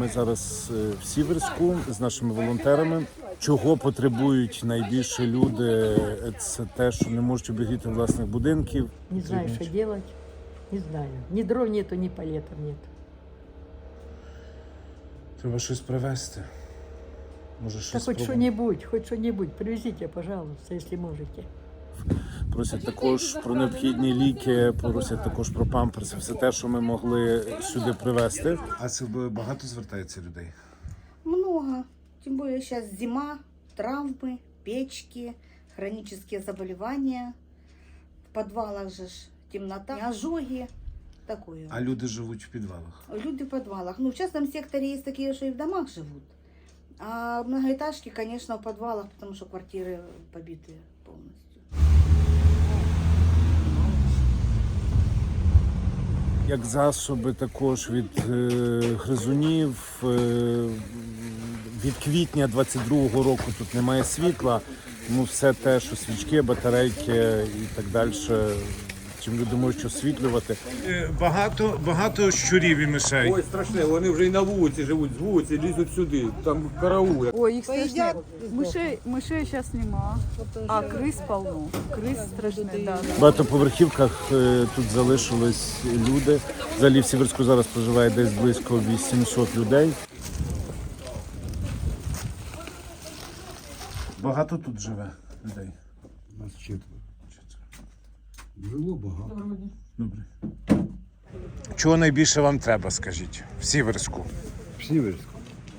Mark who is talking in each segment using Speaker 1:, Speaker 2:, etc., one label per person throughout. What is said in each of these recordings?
Speaker 1: Ми зараз в Сіверську з нашими волонтерами. Чого потребують найбільше люди? Це те, що не можуть обігріти власних будинків.
Speaker 2: Не знаю, что делать. Не знаю. Ни дров нету, ни палетов нет.
Speaker 1: Треба щось привезти. Може,
Speaker 2: Так
Speaker 1: щось
Speaker 2: хоть что-нибудь привезите, пожалуйста, если можете.
Speaker 1: Просять також про необхідні ліки, просять також про памперси, все те, що ми могли сюди привезти. А це багато звертається людей?
Speaker 3: Много. Тем более сейчас зима, травмы, печки, хронические заболевания. В подвалах же ж темнота, ожоги. Такое.
Speaker 1: А люди живуть в підвалах?
Speaker 3: Люди в подвалах. Ну, в частном секторе есть такие, что и в домах живут. А многоэтажки, конечно, в подвалах, потому что квартиры побиты полностью.
Speaker 1: Як засоби також від гризунів. Від квітня 22-го року тут немає світла. Ну, все те, що свічки, батарейки і так далі, чим люди можуть освітлювати. Багато щурів і мишей.
Speaker 4: Ой, страшне, вони вже і на вулиці живуть, з вулиці лізуть сюди, там караул.
Speaker 5: Ой, їх страшне. Мишей зараз нема, а крис полно. Крис страшне, да.
Speaker 1: В багатоповерхівках тут залишились люди. Взагалі в Сіверську зараз проживає десь близько 800 людей. Багато тут живе людей?
Speaker 6: Нас 4. Жило багато.
Speaker 1: Добре. Чого найбільше вам треба, скажіть, в Сіверську?
Speaker 6: В Сіверську.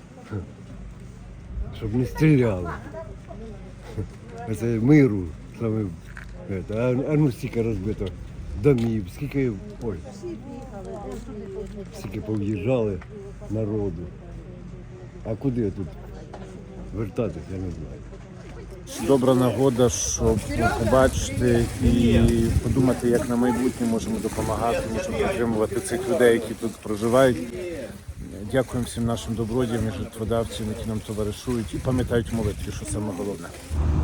Speaker 6: Щоб не стріляли. Це миру. Саме, а ну стільки розбито домів, скільки, ой, скільки пов'їжджали народу. А куди тут вертатись, я не знаю.
Speaker 1: Добра нагода, щоб побачити і подумати, як на майбутнє можемо допомагати, можемо підтримувати цих людей, які тут проживають. Дякуємо всім нашим добродіям і жертводавцям, які нам товаришують і пам'ятають молитві, що саме головне.